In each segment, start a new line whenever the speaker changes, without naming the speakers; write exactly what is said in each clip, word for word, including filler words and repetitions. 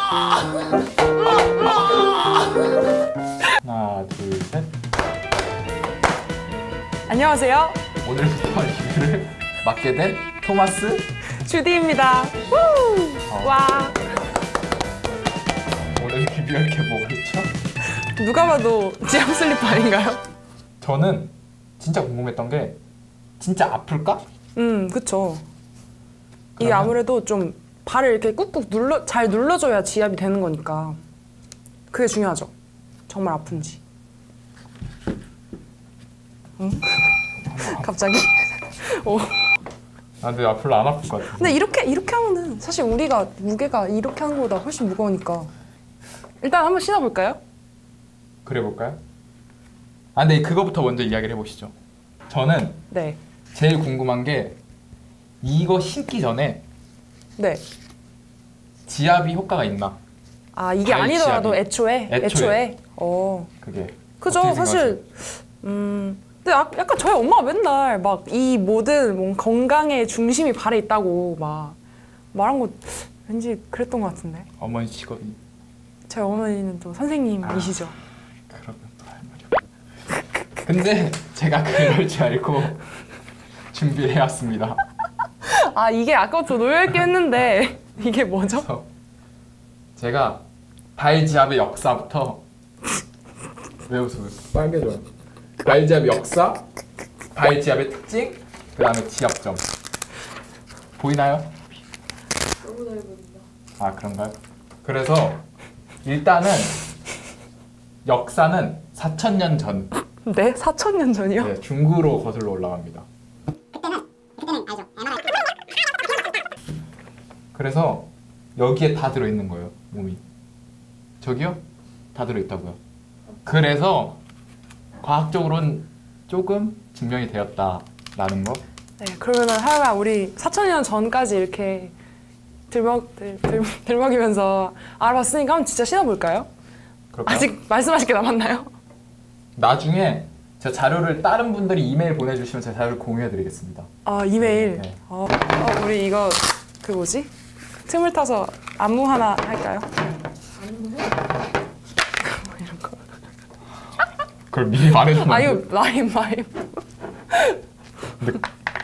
하나, 둘, 셋.
안녕하세요.
오늘부터 리뷰를 맡게 된 토마스
주디입니다. 어. 와.
오늘 리뷰할 게 뭐가 있죠?
누가 봐도 지압 슬리퍼 아닌가요?
저는 진짜 궁금했던 게 진짜 아플까?
음, 그쵸. 이게 아무래도 좀 발을 이렇게 꾹꾹 눌러 잘 눌러줘야 지압이 되는 거니까 그게 중요하죠. 정말 아픈지. 응? 갑자기? 오.
아, 근데 별로 안 아플 것 같아.
근데 이렇게 이렇게 하면은 사실 우리가 무게가 이렇게 하는 것보다 훨씬 무거우니까 일단 한번 신어볼까요?
그래 볼까요? 아, 근데 그거부터 먼저 이야기를 해보시죠. 저는
네.
제일 궁금한 게 이거 신기 전에
네.
지압이 효과가 있나?
아, 이게 아니더라도
지압이.
애초에?
애초에.
애초에? 어.
그게.
그죠. 사실 음. 근데 아, 약간 저희 엄마가 맨날 막 이 모든 뭔 건강의 중심이 발에 있다고 막 말한 거 왠지 그랬던 것 같은데.
어머니 직업이.
저희 어머니는 또 선생님이시죠.
아, 그러면 또 할 말이 없. 근데 제가 그럴 줄 알고 준비를 해왔습니다.
아, 이게 아까부터 놓여있긴 했는데 이게 뭐죠?
제가 발지압의 역사부터 왜 웃어? 빨개져요. 발지압의 역사, 발지압의 특징, 그 다음에 지압점. 보이나요?
너무 잘 보인다.
아, 그런가요? 그래서 일단은 역사는 사천 년 전.
네? 사천 년 전이요?
네, 중구로 거슬러 올라갑니다.
그때는 그때는 알죠. 엠알아이.
그래서 여기에 다 들어있는 거예요, 몸이. 저기요? 다 들어있다고요. 그래서 과학적으로는 조금 증명이 되었다라는 거.
네, 그러면은 하여간 우리 사천 년 전까지 이렇게 들먹, 들, 들, 들먹이면서 알아봤으니까 한번 진짜 신어볼까요?
그럴까요?
아직 말씀하실 게 남았나요?
나중에 제 자료를 다른 분들이 이메일 보내주시면 제 자료를 공유해드리겠습니다.
아, 이메일.
네.
어, 어, 우리 이거 그 뭐지? 틈을 타서 안무 하나 할까요?
안무?
뭐 이런 거.
그걸 미리 말해주면
아,
안
이거
돼요?
라임, 라임.
근데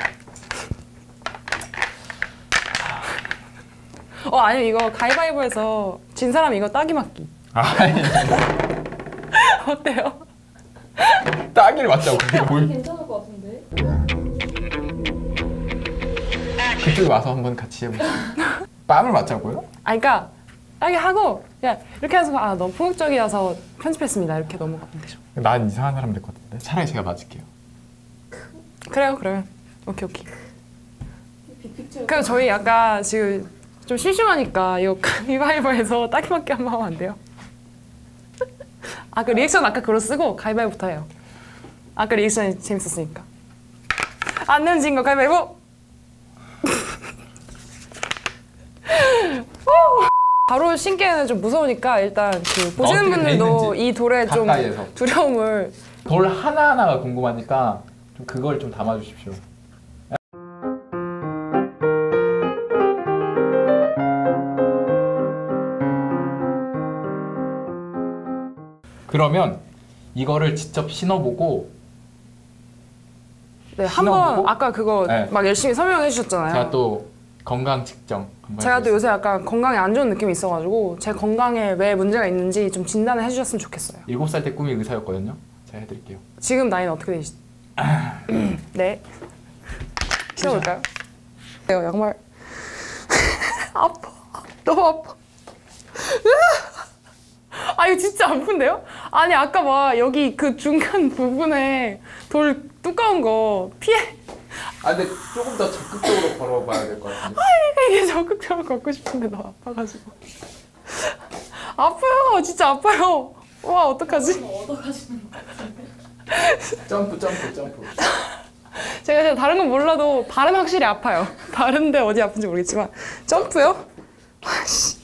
어, 아니면 이거 가위바위보해서 진 사람 이거 따기 맞기.
아니,
어때요?
따기를 맞자고. 그게 뭘
괜찮을 것 같은데?
그쪽에 와서 한번 같이 해보세요. 뺨을 맞자고요?
아, 그러니까 따기 하고 그냥 이렇게 해서 아, 너무 폭력적이어서 편집했습니다. 이렇게 넘어가면 되죠.
난 이상한 사람 될 것 같은데. 차라리 제가 맞을게요.
그래요, 그러면. 오케이, 오케이.
빅픽처.
그럼 저희 약간 지금 좀 심심하니까 이거 가위바위보해서 따기 맞기 한번 하면 안 돼요? 아, 그 리액션 아까 그거 쓰고 가위바위보부터 해요. 아까 리액션이 재밌었으니까. 안 내면 진 거 가위바위보! 바로 신기에는 좀 무서우니까 일단 그 보시는
어떻게 돼
분들도
있는지
이 돌에 좀
가까이에서.
두려움을
돌 하나하나가 궁금하니까 좀 그걸 좀 담아주십시오. 그러면 이거를 직접 신어보고
네, 한번
신어보고?
아까 그거
네.
막 열심히 설명해 주셨잖아요.
제가 또 건강 측정 한번
제가 또
해보겠습니다.
요새 약간 건강에 안 좋은 느낌이 있어가지고 제 건강에 왜 문제가 있는지 좀 진단을 해주셨으면 좋겠어요.
일곱 살 때 꿈이 의사였거든요. 제가 해드릴게요.
지금 나이는 어떻게 되시죠? 네. 신어볼까요? 내가 양말 아파. 너무 아파. 아, 이거 진짜 아픈데요? 아니, 아까 막 여기 그 중간 부분에 돌 두꺼운 거 피해.
아, 근데 조금 더 적극적으로 걸어봐야 될 것 같은데.
이게 적극적으로 걷고 싶은데 너무 아파가지고. 아파요. 진짜 아파요. 와, 어떡하지?
얻어가시는 것 같은데?
점프, 점프, 점프.
제가 진짜 다른 건 몰라도 발은 확실히 아파요. 다른데 어디 아픈지 모르겠지만 점프요? 아씨.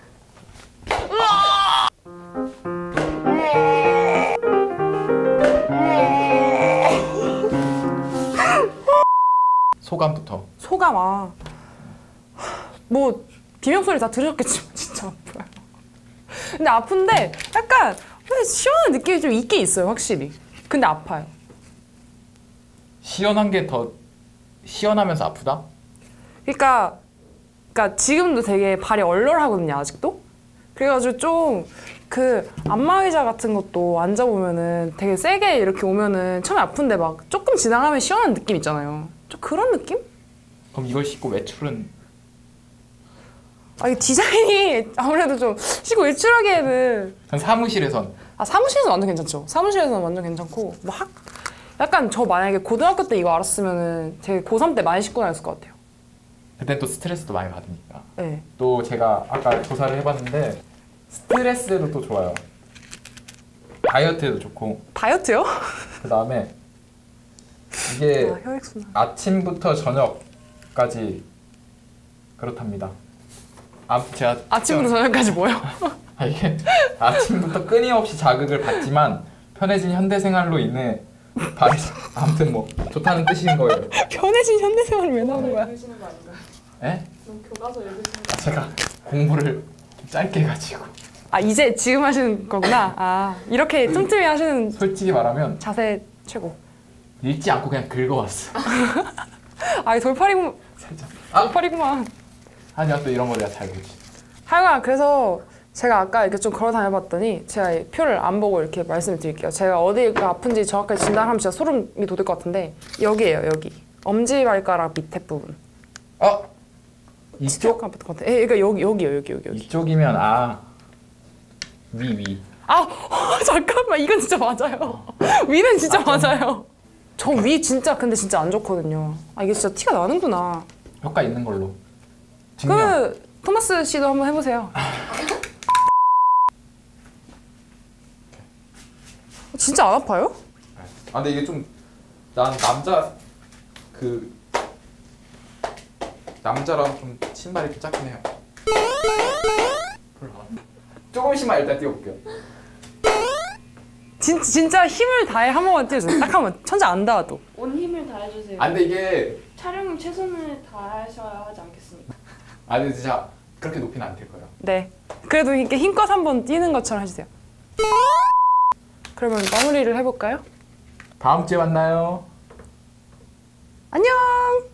소감부터.
소감 아. 뭐 비명 소리 다 들으셨겠지만 진짜 아파요. 근데 아픈데 약간 시원한 느낌이 좀 있긴 있어요, 확실히. 근데 아파요.
시원한 게 더 시원하면서 아프다?
그러니까, 그러니까 지금도 되게 발이 얼얼하거든요, 아직도. 그래가지고 좀 그 안마의자 같은 것도 앉아보면은 되게 세게 이렇게 오면은 처음에 아픈데 막 조금 지나가면 시원한 느낌 있잖아요. 좀 그런 느낌?
그럼 이걸 씻고 외출은
아, 이 디자인이 아무래도 좀 쉬고 외출하기에는
전 사무실에선
아 사무실에서 완전 괜찮죠. 사무실에서는 완전 괜찮고 뭐 학 약간 저 만약에 고등학교 때 이거 알았으면은 되게 고삼 때 많이 신고 다녔을 것 같아요.
그때 또 스트레스도 많이 받으니까.
네.
또 제가 아까 조사를 해봤는데 스트레스에도 또 좋아요. 다이어트에도 좋고.
다이어트요?
그 다음에 이게
아, 혈액순환.
아침부터 저녁까지 그렇답니다. 아무튼 제가
아침부터 저녁까지 뭐요?
아, 이게 아침부터 끊임없이 자극을 받지만 편해진 현대생활로 인해 발이 아무튼 뭐 좋다는 뜻인 거예요.
편해진 현대생활이 왜 나오는 거야?
읽으시는 거 아닌가요?
에?
그럼 교과서 읽으시는 거
아, 제가 공부를 좀 짧게 해가지고
아 이제 지금 하시는 거구나. 아 이렇게 틈틈이 하시는
솔직히 말하면
자세 최고.
읽지 않고 그냥 긁어왔어.
아 돌팔이구
살짝. 아!
돌팔이구만.
아니야 또 이런 거 내가 잘 보지.
하여간 그래서 제가 아까 이렇게 좀 걸어 다녀봤더니 제가 이 표를 안 보고 이렇게 말씀을 드릴게요. 제가 어디가 아픈지 정확하게 진단하면 진짜 소름이 돋을 것 같은데 여기예요, 여기. 엄지발가락 밑에 부분.
어? 이쪽?
아플 것 같아. 예, 그러니까 여기 여기요, 여기 여기 여기.
이쪽이면 아 위 위.
아 잠깐만 이건 진짜 맞아요. 위는 진짜 맞아요. 저 위 진짜 근데 진짜 안 좋거든요. 아 이게 진짜 티가 나는구나.
효과 있는 걸로. 증명.
그 토마스 씨도 한번 해보세요. 진짜 안 아파요?
아 근데 이게 좀 난 남자 그 남자랑 좀 신발이 좀 작긴 해요. 조금씩만 일단 띄워볼게요.
진, 진짜 힘을 다해 한 번만 띄워주세요. 딱 한 번. 천재 안 닿아도.
온 힘을 다해주세요.
아 근데 이게
촬영은 최선을 다하셔야 하지 않겠습니까?
아 근데 진짜 그렇게 높이는 안 될 거예요.
네. 그래도 이렇게 힘껏 한 번 뛰는 것처럼 해주세요. 그러면 마무리를 해볼까요?
다음 주에 만나요.
안녕!